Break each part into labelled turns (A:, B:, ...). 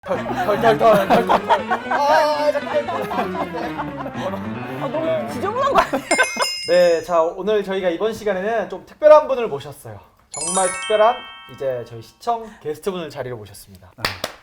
A: 너무 지저분한 거 아니에요?
B: 네, 자 오늘 저희가 이번 시간에는 좀 특별한 분을 모셨어요. 정말 특별한 이제 저희 시청 게스트분을 자리로 모셨습니다.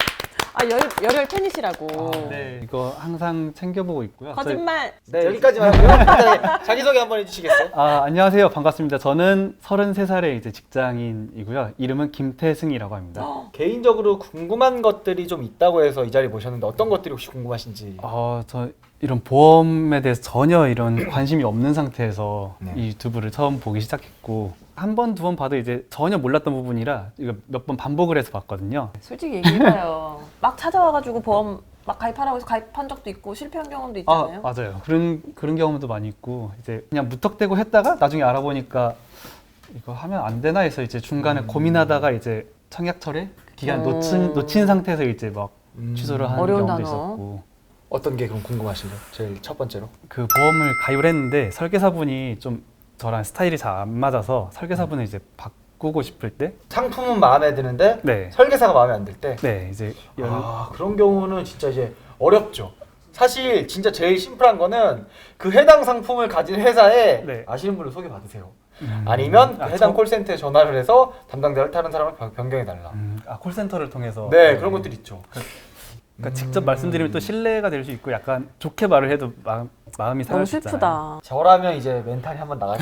A: 열혈 팬이시라고.
C: 네, 이거 항상 챙겨보고 있고요.
A: 거짓말.
B: 네, 여기까지만 하고요. 자기소개 한번 해주시겠어요?
C: 안녕하세요. 반갑습니다. 저는 33살의 이제 직장인이고요. 이름은 김태승이라고 합니다.
B: 개인적으로 궁금한 것들이 좀 있다고 해서 이 자리 모셨는데 어떤 것들이 혹시 궁금하신지?
C: 저 이런 보험에 대해서 전혀 이런 관심이 없는 상태에서
B: 네.
C: 이 유튜브를 처음 보기 시작했고 한 번, 두 번 봐도 이제 전혀 몰랐던 부분이라 이거 몇 번 반복을 해서 봤거든요.
A: 솔직히 얘기해봐요. 막 찾아와가지고 보험 막 가입하라고 해서 가입한 적도 있고 실패한 경험도 있잖아요.
C: 맞아요. 그런 경험도 많이 있고 이제 그냥 무턱대고 했다가 나중에 알아보니까 이거 하면 안 되나 해서 이제 중간에 고민하다가 이제 청약철에 기간 놓친 상태에서 이제 막 취소를 하는
A: 어려운
C: 경우도
A: 단어.
C: 있었고
B: 어떤 게 그럼 궁금하신가요? 제일 첫 번째로.
C: 그 보험을 가입을 했는데 설계사분이 좀 저랑 스타일이 잘 안 맞아서 설계사분을 이제 바꾸고 싶을 때
B: 상품은 마음에 드는데
C: 네.
B: 설계사가 마음에 안 들 때?
C: 네, 이제
B: 그런 경우는 진짜 이제 어렵죠. 사실 진짜 제일 심플한 거는 그 해당 상품을 가진 회사에
C: 네.
B: 아시는 분을 소개받으세요. 아니면 그 해당 콜센터에 전화를 해서 담당자를 다른 사람을 변경해달라.
C: 콜센터를 통해서
B: 네, 그런 것들 있죠.
C: 그러니까 직접 말씀드리면 또 신뢰가 될 수 있고 약간 좋게 말을 해도 마음이 상할
A: 너무
C: 수 있잖아요.
A: 슬프다.
B: 저라면 이제 멘탈이 한번 나가죠.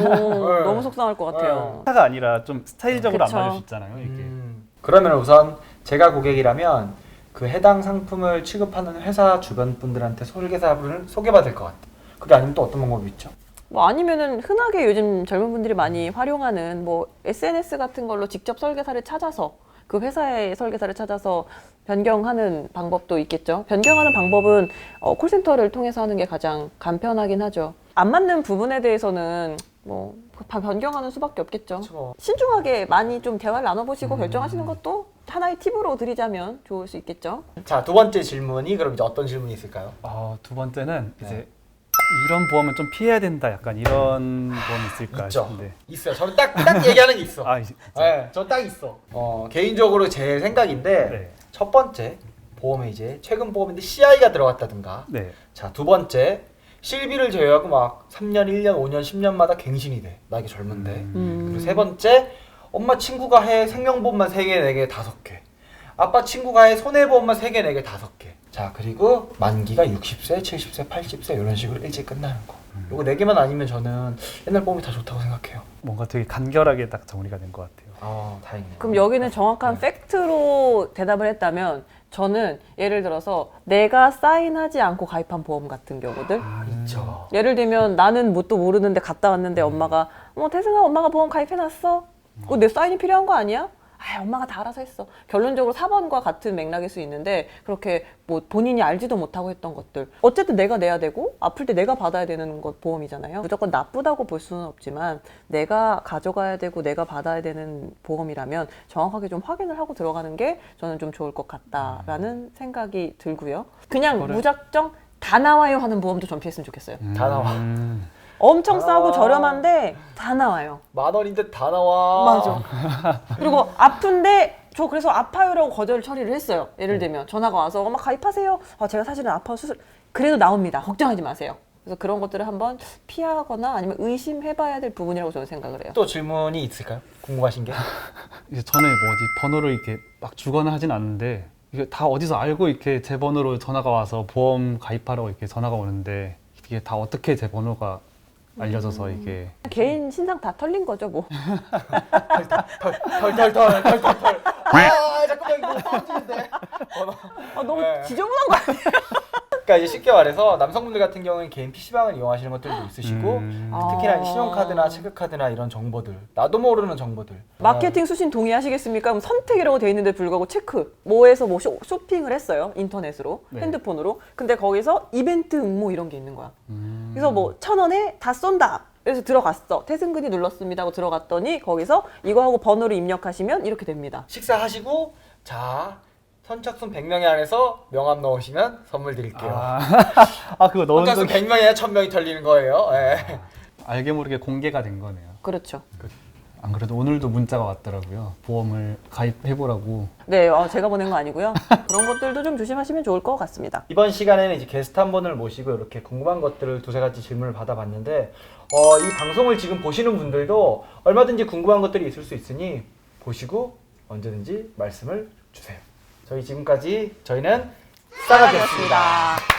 A: 너무 속상할 것 같아요.
C: 회사가 아니라 좀 스타일적으로
A: 그쵸.
C: 안 맞을 수 있잖아요. 이게.
B: 그러면 우선 제가 고객이라면 그 해당 상품을 취급하는 회사 주변 분들한테 설계사분을 소개받을 것 같아요. 그게 아니면 또 어떤 방법이 있죠?
A: 뭐 아니면은 흔하게 요즘 젊은 분들이 많이 활용하는 뭐 SNS 같은 걸로 직접 설계사를 찾아서 그 회사의 설계사를 찾아서 변경하는 방법도 있겠죠. 변경하는 방법은 콜센터를 통해서 하는 게 가장 간편하긴 하죠. 안 맞는 부분에 대해서는 뭐 변경하는 수밖에 없겠죠.
B: 그렇죠.
A: 신중하게 많이 좀 대화를 나눠보시고 결정하시는 것도 하나의 팁으로 드리자면 좋을 수 있겠죠.
B: 자, 두 번째 질문이 그럼 이제 어떤 질문이 있을까요?
C: 두 번째는
B: 네.
C: 이제 이런 보험은 좀 피해야 된다. 약간 이런 보험이 있을까
B: 있죠.
C: 싶은데.
B: 있어요. 저는 딱 얘기하는 게 있어.
C: 진짜.
B: 네, 저 딱 있어. 개인적으로 제 생각인데
C: 네.
B: 첫 번째 보험에 이제 최근 보험인데 CI가 들어갔다든가.
C: 네.
B: 자, 두 번째 실비를 제외하고 막 3년, 1년, 5년, 10년마다 갱신이 돼. 나이가 젊은데. 그리고 세 번째 엄마 친구가 해 생명보험만 3개, 4개, 5개. 아빠 친구가 해 손해보험만 3개, 4개, 5개. 자, 그리고 만기가 60세, 70세, 80세 이런 식으로 일찍 끝나는 거. 요거 4개만 아니면 저는 옛날 보험이 다 좋다고 생각해요.
C: 뭔가 되게 간결하게 딱 정리가 된 것 같아요.
B: 다행이네요.
A: 그럼 여기는 정확한 팩트로 대답을 했다면 저는 예를 들어서 내가 사인하지 않고 가입한 보험 같은 경우들
B: 있죠.
A: 예를 들면 나는 뭣도 모르는데 갔다 왔는데 엄마가 태승아 엄마가 보험 가입해놨어? 그거 내 사인이 필요한 거 아니야? 엄마가 다 알아서 했어. 결론적으로 4번과 같은 맥락일 수 있는데 그렇게 뭐 본인이 알지도 못하고 했던 것들 어쨌든 내가 내야 되고 아플 때 내가 받아야 되는 것 보험이잖아요. 무조건 나쁘다고 볼 수는 없지만 내가 가져가야 되고 내가 받아야 되는 보험이라면 정확하게 좀 확인을 하고 들어가는 게 저는 좀 좋을 것 같다라는 생각이 들고요. 그냥 무작정 다 나와요 하는 보험도 전 피했으면 좋겠어요.
B: 다 나와.
A: 엄청 싸고 저렴한데 다 나와요.
B: 10,000원인데 다 나와.
A: 맞아. 그리고 아픈데 저 그래서 아파요라고 거절 처리를 했어요. 예를 들면 전화가 와서 엄마 가입하세요. 제가 사실은 아파 수술 그래도 나옵니다. 걱정하지 마세요. 그래서 그런 것들을 한번 피하거나 아니면 의심해봐야 될 부분이라고 저는 생각을 해요.
B: 또 질문이 있을까요? 궁금하신 게?
C: 이제 전에 번호를 이렇게 막 주거나 하진 않는데 이게 다 어디서 알고 이렇게 제 번호로 전화가 와서 보험 가입하라고 이렇게 전화가 오는데 이게 다 어떻게 제 번호가 알려져서 이게
A: 개인 신상 다 털린 거죠 뭐.
B: 털. 잠깐만 이거 떨어지는데.
A: 너무
B: 네.
A: 지저분한 거 아니에요?
B: 그러니까 이제 쉽게 말해서 남성분들 같은 경우는 개인 PC방을 이용하시는 것들도 있으시고 특히나 이제 신용카드나 체크카드나 이런 정보들 나도 모르는 정보들
A: 마케팅 수신 동의하시겠습니까? 그럼 선택이라고 돼 있는데 불구하고 체크 뭐에서 뭐 쇼핑을 했어요 인터넷으로
C: 네.
A: 핸드폰으로 근데 거기서 이벤트 응모 이런 게 있는 거야. 그래서 뭐 1,000원에 다 쏜다. 그래서 들어갔어. 태승근이 눌렀습니다 하고 들어갔더니 거기서 이거 하고 번호를 입력하시면 이렇게 됩니다.
B: 식사하시고 자 선착순 100명에 한해서 명함 넣으시면 선물 드릴게요.
C: 그거 넣은
B: 선착순
C: 적이
B: 100명에 1,000명이 털리는 거예요. 네.
C: 알게 모르게 공개가 된 거네요.
A: 그렇죠.
C: 안 그래도 오늘도 문자가 왔더라고요. 보험을 가입해보라고.
A: 네, 제가 보낸 거 아니고요. 그런 것들도 좀 조심하시면 좋을 것 같습니다.
B: 이번 시간에는 이제 게스트 한 분을 모시고 이렇게 궁금한 것들을 두세 가지 질문을 받아봤는데 이 방송을 지금 보시는 분들도 얼마든지 궁금한 것들이 있을 수 있으니 보시고 언제든지 말씀을 주세요. 저희 지금까지 저희는 싸가지였습니다.